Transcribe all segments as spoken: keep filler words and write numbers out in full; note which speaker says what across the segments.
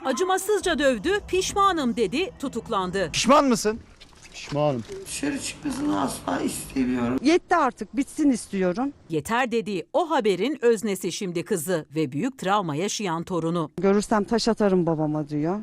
Speaker 1: Acımasızca dövdü, pişmanım dedi, tutuklandı.
Speaker 2: Pişman mısın?
Speaker 3: Pişmanım.
Speaker 4: Dışarı çıkmasını asla istemiyorum.
Speaker 5: Yetti artık, bitsin istiyorum.
Speaker 1: Yeter dediği o haberin öznesi şimdi kızı ve büyük travma yaşayan torunu.
Speaker 5: Görürsem taş atarım babama diyor.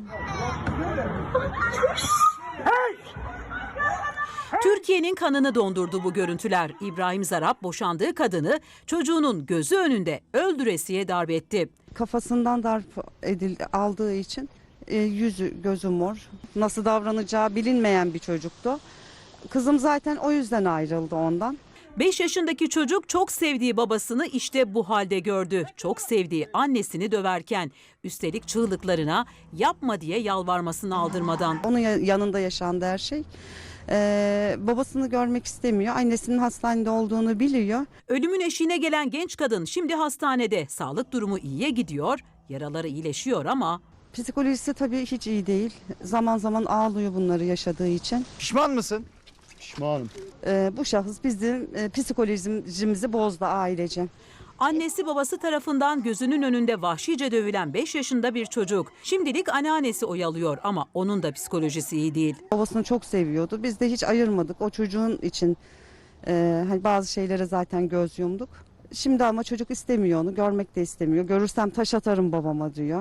Speaker 1: Türkiye'nin kanını dondurdu bu görüntüler. İbrahim Zarap boşandığı kadını çocuğunun gözü önünde öldüresiye darp etti.
Speaker 5: Kafasından darp edildi, aldığı için e, yüzü gözü mor. Nasıl davranacağı bilinmeyen bir çocuktu. Kızım zaten o yüzden ayrıldı ondan.
Speaker 1: beş yaşındaki çocuk çok sevdiği babasını işte bu halde gördü. Çok sevdiği annesini döverken, üstelik çığlıklarına yapma diye yalvarmasını aldırmadan.
Speaker 5: Onun yanında yaşandı her şey. Ee, babasını görmek istemiyor. Annesinin hastanede olduğunu biliyor.
Speaker 1: Ölümün eşiğine gelen genç kadın şimdi hastanede. Sağlık durumu iyiye gidiyor, yaraları iyileşiyor ama...
Speaker 5: Psikolojisi tabii hiç iyi değil. Zaman zaman ağlıyor bunları yaşadığı için.
Speaker 2: Pişman mısın?
Speaker 3: Pişmanım.
Speaker 5: Ee, bu şahıs bizim e, psikolojimizi bozdu ailece.
Speaker 1: Annesi babası tarafından gözünün önünde vahşice dövülen beş yaşında bir çocuk. Şimdilik anneannesi oyalıyor ama onun da psikolojisi iyi değil.
Speaker 5: Babasını çok seviyordu. Biz de hiç ayırmadık. O çocuğun için e, hani bazı şeylere zaten göz yumduk. Şimdi ama çocuk istemiyor onu. Görmek de istemiyor. Görürsem taş atarım babama diyor.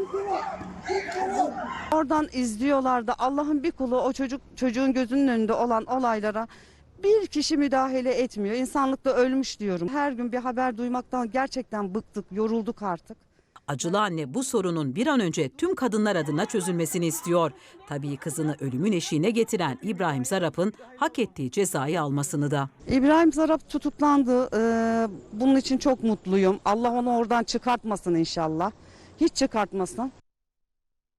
Speaker 5: Oradan izliyorlar da Allah'ın bir kulu o çocuk çocuğun gözünün önünde olan olaylara bir kişi müdahale etmiyor. İnsanlık da ölmüş diyorum. Her gün bir haber duymaktan gerçekten bıktık, yorulduk artık.
Speaker 1: Acılı anne bu sorunun bir an önce tüm kadınlar adına çözülmesini istiyor. Tabii kızını ölümün eşiğine getiren İbrahim Zarap'ın hak ettiği cezayı almasını da.
Speaker 5: İbrahim Zarap tutuklandı. Ee, bunun için çok mutluyum. Allah onu oradan çıkartmasın inşallah. Hiç çıkartmasın.